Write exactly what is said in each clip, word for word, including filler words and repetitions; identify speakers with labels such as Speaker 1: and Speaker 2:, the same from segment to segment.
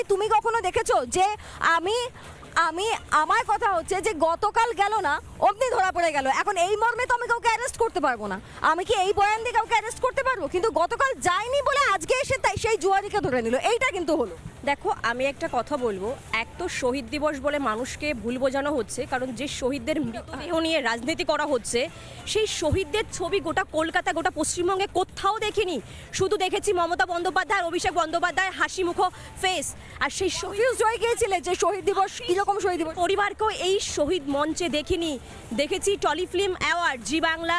Speaker 1: তুমি কখনো দেখেছো যে আমি আমি আমার কথা হচ্ছে যে গতকাল গেল না অমনি ধরা পড়ে গেল, এখন এই মর্মে তো আমি কাউকে অ্যারেস্ট করতে পারবো না, আমি কি এই বয়ান দিয়ে কাউকে অ্যারেস্ট করতে পারবো? কিন্তু গতকাল যায়নি বলে আজকে এসে তাই সেই জুয়ারিকে ধরে নিল, এইটা কিন্তু হলো।
Speaker 2: দেখো আমি একটা কথা বলবো, এক তো শহীদ দিবস বলে মানুষকে ভুল বোঝানো হচ্ছে, কারণ যে শহীদদের মৃতদেহ নিয়ে রাজনীতি করা হচ্ছে সেই শহীদদের ছবি গোটা কলকাতা গোটা পশ্চিমবঙ্গে কোথাও দেখিনি। শুধু দেখেছি মমতা বন্দ্যোপাধ্যায় অভিষেক বন্দ্যোপাধ্যায় হাসি মুখো ফেস, আর সেই
Speaker 1: কনফিউজ হয়ে গিয়েছিলে যে শহীদ দিবস কিরকম শহীদ দিবস।
Speaker 2: পরিবারকেও এই শহীদ মঞ্চে দেখিনি। দেখেছি telefilm award, Zee Bangla,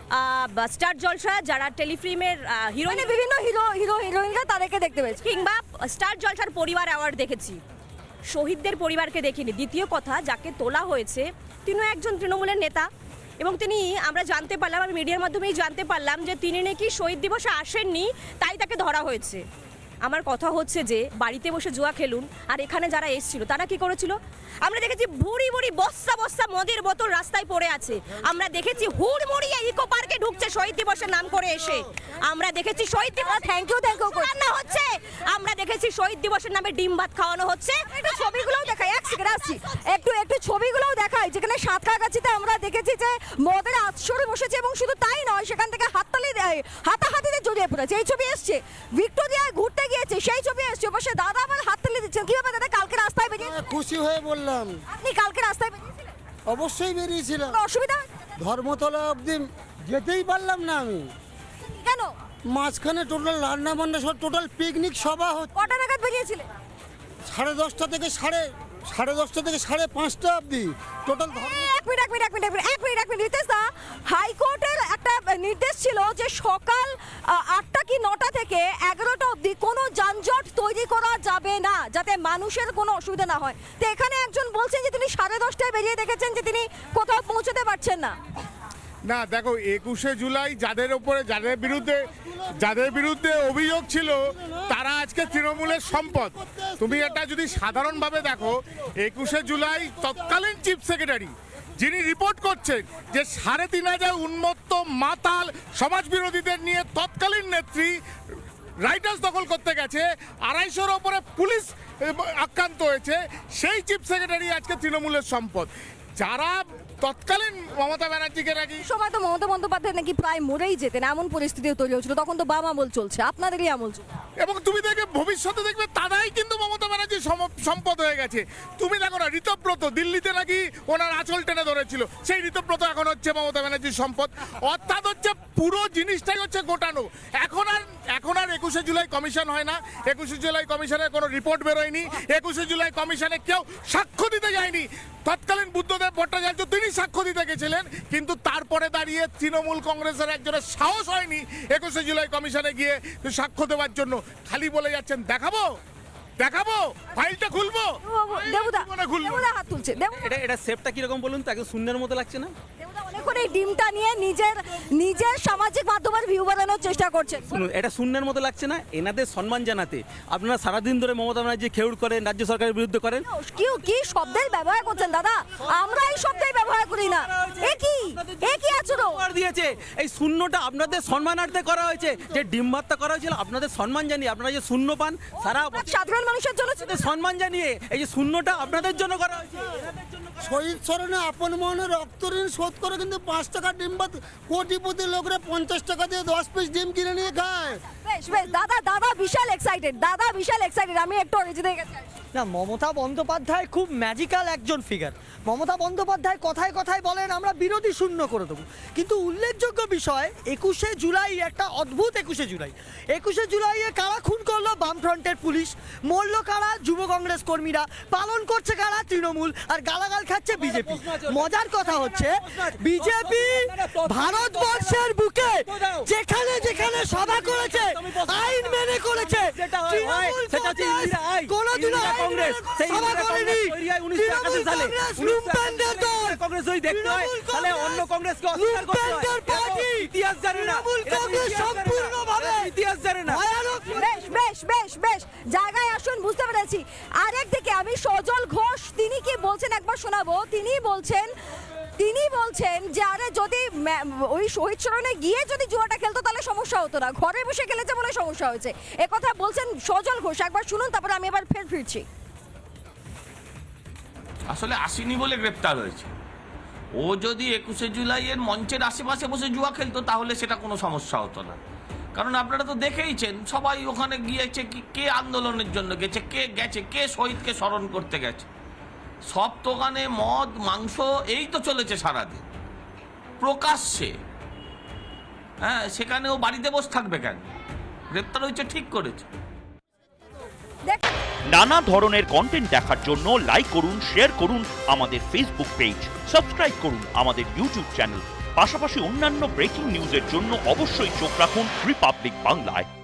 Speaker 2: star Jalsha, যারা টেলিফিল্মের হিরোইন,
Speaker 1: মানে বিভিন্ন হিরো হিরো হিরোইনরা তাদেরকে দেখতে পেয়েছি,
Speaker 2: কিংবা স্টার জলসার পরিবার অ্যাওয়ার্ড দেখেছি, শহীদদের পরিবারকে দেখিনি। দ্বিতীয় কথা, যাকে তোলা হয়েছে তিনিও একজন তৃণমূলের নেতা, এবং তিনি আমরা জানতে পারলাম, আমি মিডিয়ার মাধ্যমেই জানতে পারলাম যে তিনি নাকি শহীদ দিবসে আসেননি, তাই তাকে ধরা হয়েছে। আমার কথা হচ্ছে যে বাড়িতে বসে জুয়া খেলুন, আর এখানে যারা এসেছিল তারা কি করেছিল? আমরা দেখেছি ভুড়ি ভুড়ি বস্তা বস্তা মদের বোতল রাস্তায় পড়ে আছে, আমরা দেখেছি হুড়মুড়িয়ে ইকো পার্কে ঢুকছে শহীদ দিবসের নাম করে এসে, আমরা দেখেছি শহীদ দিবস
Speaker 1: থ্যাংক ইউ থ্যাংক ইউ
Speaker 2: রান্না হচ্ছে, আমরা দেখেছি শহীদ দিবসের নামে ডিম ভাত খাওয়ানো হচ্ছে।
Speaker 1: একটু ছবিগুলোও দেখাই, এক সেকেন্ড আসছি, একটু একটু ছবিগুলোও দেখাই, যেখানে সাঁতরাগাছিতে আমরা দেখেছি যে মদের আছড়ে বসেছে, এবং শুধু তাই নয় সেখান থেকে হাততালি দেয়, হাতাহাতিতে জড়িয়ে পড়েছে। এই ছবি এসছে, ভিক্টোরিয়ায় ঘুরতে গিয়েছে সেই ছবি এসছে, পাশে দাদা আবার হাততালি দিচ্ছেন। কিভাবে দাদা কালকে রাস্তায় বেরিয়ে
Speaker 3: খুশি হয়ে বললাম,
Speaker 1: আপনি কালকে রাস্তায় বেরিয়েছিলেন?
Speaker 3: অবশ্যই বেরিয়েছিলাম।
Speaker 1: কোনো অসুবিধা
Speaker 3: ধর্মতলা অবধি যেতেই পারলাম না আমি,
Speaker 1: কেন?
Speaker 3: মাঝখানে টোটাল রান্না বান্না সব টোটাল পিকনিক সভা হচ্ছে।
Speaker 1: কটা নাগাদ বেরিয়েছিলেন?
Speaker 3: সাড়ে দশটা থেকে সাড়ে সাড়ে দশটা থেকে সাড়ে পাঁচটা অবধি টোটাল
Speaker 1: এক মিনিট এক মিনিট এক মিনিট এক মিনিট এক মিনিট এক মিনিট রিতেশ দা, হাইকোর্টের একটা নির্দেশ ছিল যে সকাল আহ, আটটা কি নটা থেকে এগারোটা অবধি কোনো যানজট তৈরি করা যাবে না, যাতে মানুষের কোনো অসুবিধা না হয়। তো এখানে একজন বলছেন যে তিনি সাড়ে দশটায় বেরিয়ে দেখেছেন যে তিনি কোথাও পৌঁছতে পারছেন না।
Speaker 4: না দেখো, একুশে জুলাই যাদের ওপরে যাদের বিরুদ্ধে যাদের বিরুদ্ধে অভিযোগ ছিল তারা আজকে তৃণমূলের সম্পদ। তুমি এটা যদি সাধারণভাবে দেখো, একুশে জুলাই তৎকালীন চিফ সেক্রেটারি যিনি রিপোর্ট করছেন যে সাড়ে তিন হাজার উন্মত্ত মাতাল সমাজ বিরোধীদের নিয়ে তৎকালীন নেত্রী রাইটার্স দখল করতে গেছে, আড়াইশোর ওপরে পুলিশ আক্রান্ত হয়েছে, সেই চিফ সেক্রেটারি আজকে তৃণমূলের সম্পদ। যারা তৎকালীন মমতা ব্যানার্জিকে নাকি
Speaker 1: সময় তো মমতা বন্দ্যোপাধ্যায় নাকি প্রায় মরেই যেতেন, এমন পরিস্থিতিও তৈরি হয়েছিল, তখন তো বাম আমল চলছে, আপনাদেরই আমল চলছে।
Speaker 4: এবং তুমি দেখবে ভবিষ্যতে দেখবে তারাই কিন্তু মমতা ব্যানার্জির সম- সম্পদ হয়ে গেছে। তুমি দেখো না, ঋতব্রত দিল্লিতে নাকি ওনার আঁচল টেনে ধরেছিল, সেই ঋতব্রত এখন হচ্ছে মমতা ব্যানার্জির সম্পদ। অর্থাৎ হচ্ছে পুরো জিনিসটাই হচ্ছে গোটানো। এখন আর এখন আর একুশে জুলাই কমিশন হয় না, একুশে জুলাই কমিশনের কোনো রিপোর্ট বেরোয়নি, একুশে জুলাই কমিশনে কেউ সাক্ষ্য দিতে যায়নি। তৎকালীন বুদ্ধদেব ভট্টাচার্য তিনি সাক্ষ্য দিতে গেছিলেন, কিন্তু তারপরে দাঁড়িয়ে তৃণমূল কংগ্রেসের একজনের সাহস হয়নি একুশে জুলাই কমিশনে গিয়ে সাক্ষ্য দেওয়ার জন্য। খালি বলে যাচ্ছেন দেখাবো দেখাবো ফাইলটা খুলবো,
Speaker 1: দেবুদা
Speaker 4: জীবনে খুলবো।
Speaker 1: দেবুদা হাত তুলছে, দেবুদা
Speaker 5: এটা এটা শেপটা কিরকম বলুন তো, একদম শূন্যের মতো লাগছে না?
Speaker 1: দেবুদা অনেকক্ষণ এই ডিমটা নিয়ে নিজের নিজের সামাজিক মাধ্যমের ভিউ বাড়ানোর চেষ্টা করছেন।
Speaker 5: শুনুন, এটা শূন্যের মতো লাগছে না? এনাদের সম্মান জানাতে আপনারা সারাদিন ধরে মমতা ব্যানার্জি খেউড় করেন, রাজ্য সরকারের বিরুদ্ধে করেন।
Speaker 1: কি কি শব্দের ব্যবহার করছেন দাদা? আমরা এই শব্দের ব্যবহার করি না। এ কি এ কি আচরণ
Speaker 5: উপহার দিয়েছে, এই শূন্যটা আপনাদের সম্মানার্থে করা হয়েছে, যে ডিম ভাতটা করা হয়েছিল আপনাদের সম্মান জানিয়ে, আপনারা যে শূন্য পান সারা
Speaker 1: সাধারণ মানুষের জন্য ছিল।
Speaker 5: আপনাদের সম্মান জানিয়ে, এই যে শূন্যটা আপনাদের জন্য করা হয়েছে।
Speaker 3: শহীদ স্মরণে আপন মনে রক্ত ঋণ শোধ করে কিন্তু পাঁচ টাকা ডিম ভাত কোটিপতি লোকরা পঞ্চাশ টাকা দিয়ে দশ পিস ডিম কিনে নিয়ে খায়।
Speaker 1: বেশ বেশ দাদা দাদা বিশাল এক্সাইটেড, দাদা বিশাল এক্সাইটেড। আমি একটু অরিজিতের কাছে আসি।
Speaker 6: না, মমতা বন্দ্যোপাধ্যায় খুব ম্যাজিক্যাল একজন ফিগার। মমতা বন্দ্যোপাধ্যায় কথায় কথায় বলেন আমরা বিরোধী শূন্য করে দেবো, কিন্তু উল্লেখযোগ্য বিষয় একুশে জুলাই একটা অদ্ভুত একুশে জুলাই একুশে জুলাইয়ে কারা খুন করলো? বামফ্রন্টের পুলিশ। মরল কারা? যুব কংগ্রেস কর্মীরা। পালন করছে কারা? তৃণমূল। আর গালাগাল খাচ্ছে বিজেপি। মজার কথা হচ্ছে বিজেপি ভারতবর্ষের বুকে যেখানে যেখানে সভা করেছে আইন মেনে করেছে, তৃণমূল কংগ্রেস কোনোদিনও
Speaker 5: কংগ্রেস সেই
Speaker 6: সভা করেনি।
Speaker 5: উনিশশো সালে
Speaker 6: লুম্পেনদের দল।
Speaker 5: কংগ্রেস যদি দেখতে হয় তাহলে অন্য কংগ্রেসকে অস্বীকার করতে হয়।
Speaker 6: লুম্পেনদের পার্টি।
Speaker 5: ইতিহাস জানে না,
Speaker 6: তৃণমূল কংগ্রেস সম্পূর্ণভাবে
Speaker 5: ইতিহাস জানে না।
Speaker 6: ভয়ানক।
Speaker 1: বেশ বেশ বেশ বেশ জায়গায় আসুন, বুঝতে পেরেছি। আরেকদিকে আমি সজল ঘোষ, তিনি কি বলছেন একবার শোনাবো। তিনি বলছেন তিনি বলছেন যে আরে যদি ম্যা- ওই শহীদ স্মরণে গিয়ে যদি জুয়াটা খেলতো তাহলে সমস্যা হতো না, ঘরে বসে খেলেছে বলে সমস্যা হয়েছে, এ কথা বলছেন সজল ঘোষ। একবার শুনুন, তারপরে আমি এবার ফের ফিরছি।
Speaker 7: আসলে আসেনি বলে গ্রেপ্তার হয়েছে। ও যদি একুশে জুলাইয়ের মঞ্চের আশেপাশে বসে জুয়া খেলতো তাহলে সেটা কোনো সমস্যা হতো না, কারণ আপনারা তো দেখেইছেন সবাই ওখানে গিয়েছে, কি কে আন্দোলনের জন্য গেছে, কে গেছে, কে শহীদকে স্মরণ করতে গেছে। সব দোকানে মদ মাংস এই তো চলেছে সারাদিন প্রকাশ্যে। হ্যাঁ, সেখানেও বাড়িতে বসে থাকবে কেন? গ্রেপ্তার হয়েছে, ঠিক করেছে।
Speaker 1: দেখ
Speaker 8: নানা ধরনের কন্টেন্ট দেখার জন্য লাইক করুন, শেয়ার করুন আমাদের ফেসবুক পেজ, সাবস্ক্রাইব করুন আমাদের ইউটিউব চ্যানেল। পাশাপাশি অন্যান্য ব্রেকিং নিউজের জন্য অবশ্যই চোখ রাখুন রিপাবলিক বাংলায়।